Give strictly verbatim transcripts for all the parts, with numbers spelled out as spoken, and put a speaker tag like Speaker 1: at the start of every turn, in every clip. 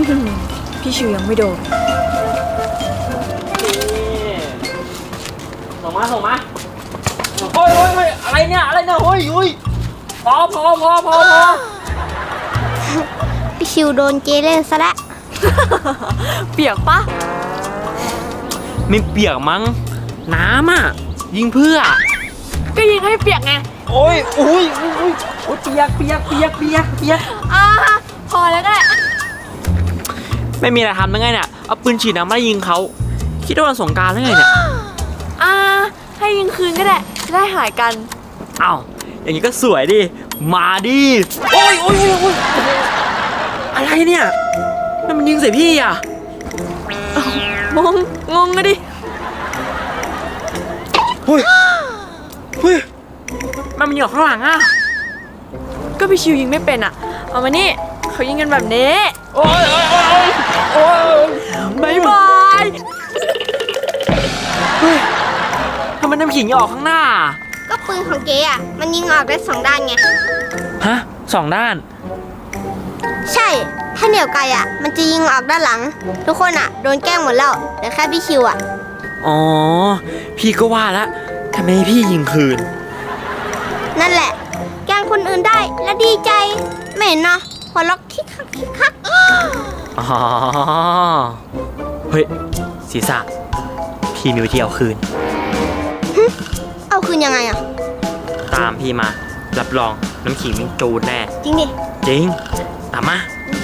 Speaker 1: พี่ชิวยังไม่โดน
Speaker 2: ส่งมาส่งมาโอ้ยโอ้ยโอ้ยอะไรเนี่ยอะไรเนี่ยโอ้ยโอ้ยพอพอพอพอพอ
Speaker 3: พี่ชิวโดนเจเล่นซะแล้ว
Speaker 1: เปียกปะ
Speaker 2: ไม่เปียกมั้งน้ำอ่ะยิงเพื่อ
Speaker 1: ก็ยิงให้เปียกไง
Speaker 2: โอ้ยโอ้ยโอ้ยโอ้ยเปียกเปียกเปียกเปียกเปียก
Speaker 1: อ่าพอแล้วก็ได้
Speaker 2: ไม่มีอะไรทำได้ไงเนี่ยเอาปืนฉีดน้ำมายิงเขาคิดว่าวันสงกรานต์หรือไงเนี่ย
Speaker 1: อ่าให้ยิงคืนก็ได้จะได้หายกัน
Speaker 2: อ้าวอย่างนี้ก็สวยดิมาดิโอ้ยโอ้ยโอ้ยโอ้ยอะไรเนี่ยนั่นมันยิงใส่พี่อ่ะ
Speaker 1: งงงงกันดิ
Speaker 2: เฮ้ยเฮ้ยมันมันอยู่ข้างหลังอ่ะ
Speaker 1: ก็พี่ชิวยิงไม่เป็นอ่ะเอามานี่เขายิงกันแบบนี้
Speaker 2: โอ้ยโอ้ยโอ้ยโอ้ย
Speaker 1: บายบาย
Speaker 2: เฮ้ยทำไมน้ำขิงออกข้างหน้า
Speaker 3: ก็ปืนของเจ๊อ่ะมันยิงออกได้สองด้านไง
Speaker 2: ฮะสองด้าน
Speaker 3: ใช่ถ้าเหนียวไกลอ่ะมันจะยิงออกด้านหลังทุกคนอ่ะโดนแกล้งหมดแล้วเหลือแค่พี่ชิวอ่ะ
Speaker 2: อ๋อพี่ก็ว่าแล้วทำไมพี่ยิงคืน
Speaker 3: นั่นแหละแกล้งคนอื่นได้และดีใจไม่เห็นเนาะหัวล็อกคิกคักคิกคัก
Speaker 2: อ๋อเฮ้ยศีรษะพี่มีวิธีเอาคืน
Speaker 3: เอาคืนยังไงอ่ะ
Speaker 2: ตามพี่มารับรองน้ำขิงมันจูดแน่
Speaker 3: จริงดิ
Speaker 2: จริงตามมา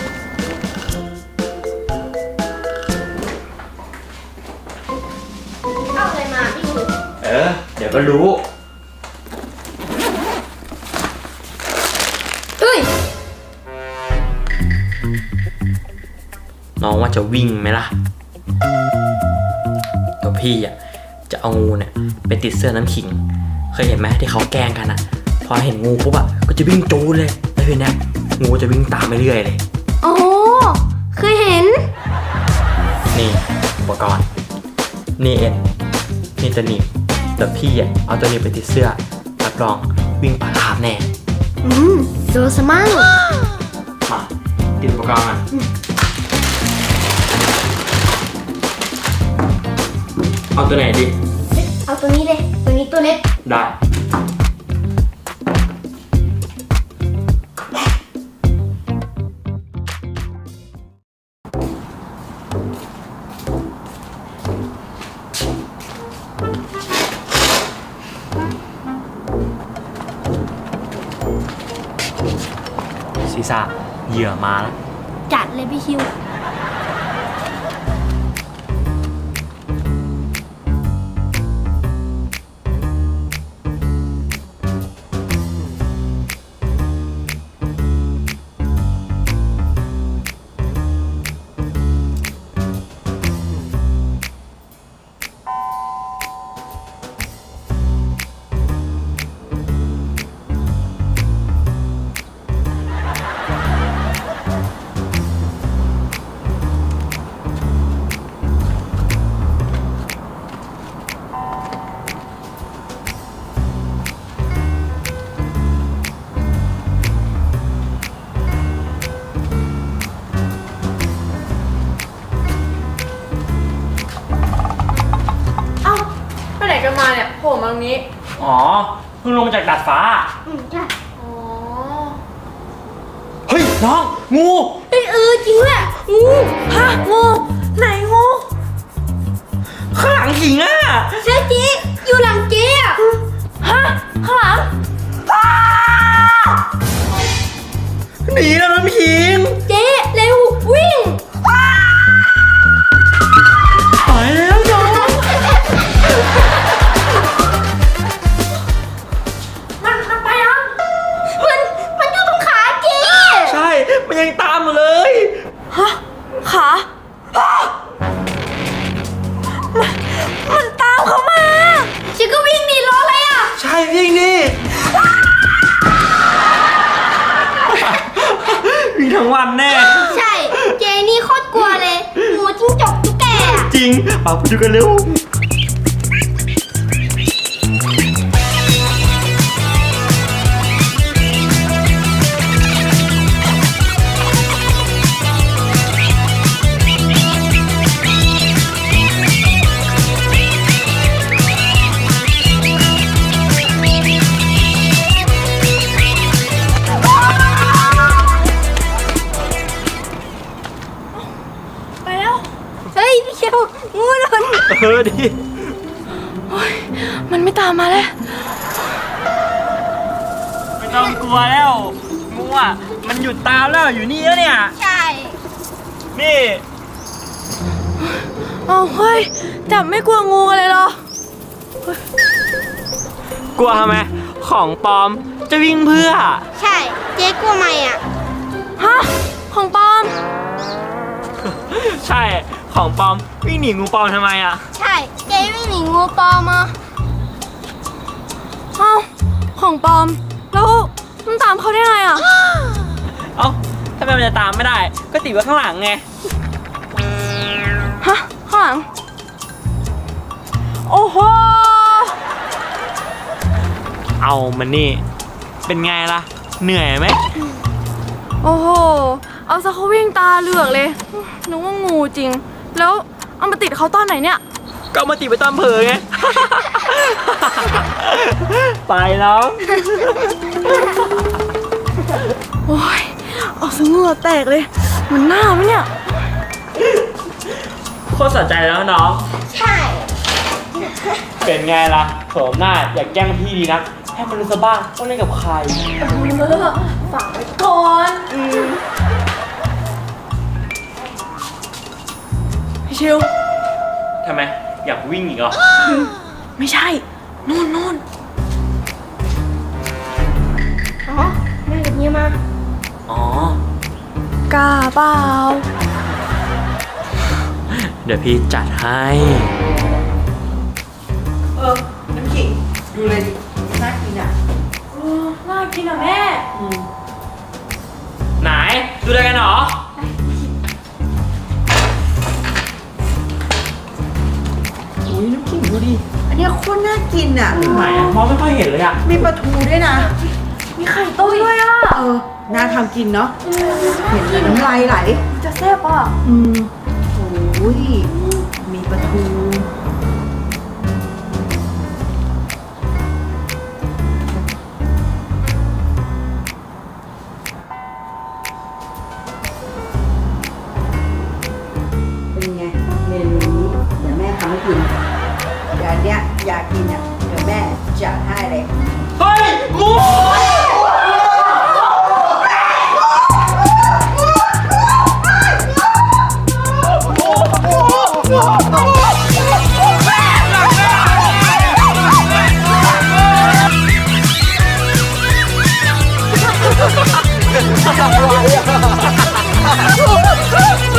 Speaker 3: เอาอะไรมาพี่ดู
Speaker 2: เออเดี๋ยวก็รู้
Speaker 3: เฮ้ย
Speaker 2: น้องว่าจะวิ่งไหมล่ะตัวพี่อ่ะจะเอางูเนี่ยไปติดเสื้อน้ำขิงเคยเห็นไหมที่เขาแกล้งกันอ่ะพอเห็นงูปุ๊บอ่ะก็จะวิ่งจูดเลยแล้วทีเนี้ยงูจะวิ่งตามไปเรื่อยเลย
Speaker 3: โอ้เคยเห็น
Speaker 2: นี่อุปกรณ์นี่เอ็นนี่จะหนีบแต่พี่อ่ะเอาตัวนี้ไปติดเสื้อรับรองวิ่งป่าขาบแน่
Speaker 3: อืมดูสมั่ง
Speaker 2: มาติดอุปกรณ์มาเอาตัวไหนดิ
Speaker 3: เอาตัวนี้เลยตัวนี้ตัวเล็ก
Speaker 2: ได้ศีรษะเหยื่อมาแล้ว
Speaker 3: จัดเลยพี่ชิว
Speaker 1: กันมาเนี่ยโผล่มาตรงนี้
Speaker 2: อ๋อเพิ่งลงมาจากดาดฟ้า
Speaker 3: อืมใช่
Speaker 1: อ๋อ
Speaker 2: เฮ้ยน้องงู
Speaker 3: เออเออจริงแหละ
Speaker 1: งูฮะงูไหนงู
Speaker 2: ข้างหลังขิงอ่ะ
Speaker 3: เจ๊จีอยู่หลังเจ๊อ่ะ
Speaker 1: ฮะข้างหลัง
Speaker 2: หนีแล้วน้ำขิง
Speaker 3: เจ๊เร็ววิ่ง
Speaker 2: ไปแล้วน้อง
Speaker 1: มันมันไปยัง
Speaker 3: มันมันอยู่ตรงขาเจ๊
Speaker 2: ใช่มันยังตามอยู่เลย
Speaker 1: ฮะขามันมันตามเขามา
Speaker 3: ชิก็วิ่งหนีรถเลยอ่ะ
Speaker 2: ใช่วิ่งนี่วิ่งทั้งวันแน่
Speaker 3: ใช่เจนี่โคตรกลัวเลยงูจิ้งจกตุ๊กแก
Speaker 2: จริงปากไปดูกันเร็วเออดิ
Speaker 1: มันไม่ตามมาแล้ว
Speaker 2: ไม่ต้องกลัวแล้วงูอ่ะมันหยุดตามแล้วอยู่นี่แล้วเนี่ย
Speaker 3: ใช่
Speaker 2: นี่
Speaker 1: เอาเฮ้ย จับไม่กลัวงูกันเลยเหรอ
Speaker 2: กลัวทำไมของปลอมจะวิ่งเพื่อ
Speaker 3: ใช่เจ๊กลัวไหมอ่ะ
Speaker 1: ฮะ ของปลอม
Speaker 2: ใช่ของปลอมวิ่งหนีงูปลอมทำไมอ่ะ
Speaker 3: ใช่เจ๊ไม่หนีงูปลอมอ่ะ
Speaker 1: เอ้า ของปลอม แล้วมันตามเขาได้ไงอ่ะ
Speaker 2: เอ้าทำไมมันจะตามไม่ได้ ก็ติดไว้ข้างหลังไง
Speaker 1: ฮะ ข้างหลัง โอ้โห
Speaker 2: เอามันนี่ เป็นไงล่ะ เหนื่อยไหม
Speaker 1: โอ้โห เอาซะเขาวิ่งตาเหลือกเลย นึกว่างูจริง แล้วเอามาติดเขาตอนไหนเนี่ย
Speaker 2: ก็เอามาติดไปตามเผลอไง ไปแล้ว
Speaker 1: โอ้ย เอาซะเหงื่อแตกเลย มันหน้าไหมเนี่ย
Speaker 2: โคตรสนใจแล้วน้อง
Speaker 3: ใช่
Speaker 2: เป็นไงล่ะโสมหน้าอยากแกล้งพี่ดีนัก ให้มันรู้ซะบ้างว่าเล่นกับใคร
Speaker 1: เออฝากไว้ก่อนพี่ชิว
Speaker 2: ทำไม อยากวิ่งอีกเหรอ
Speaker 1: ไม่ใช่ นู่นนู่น
Speaker 3: อ๋อแม่กับเฮียมา
Speaker 2: อ๋อ
Speaker 1: กล้าเปล่า
Speaker 2: เดี๋ยวพี่จัดให้
Speaker 4: เออ น้ำขิง ดูเลยดิน่ากินอ่ะ
Speaker 1: เออน่ากินอ่ะแม่
Speaker 2: ไหน ดูอะไรกันหรอ
Speaker 4: อุ้ยน้ำขิงดูดิ อันเนี้ยโคตรน่ากินอ่ะ
Speaker 2: ไหนอะมองไม่ค่อยเห็นเลยอะ
Speaker 4: มีปลาทูด้วยนะ
Speaker 1: มีไข่ต้มด้วยอ่ะ
Speaker 4: เออ น่าทำกินเนาะ เห็นแล้วน้ำลายไหล
Speaker 1: จะแซ่บอ่ะ
Speaker 4: อืมโอ้ย มีปลาทู เป็นไง เมนูนี้เดี๋ยวแม่ทำให้กิน เดี๋ยวอันเนี้ยอยากกินอ่ะ เดี๋ยวแม่จัดให้เลย
Speaker 2: เฮ้ยงู
Speaker 4: Ha ha ha!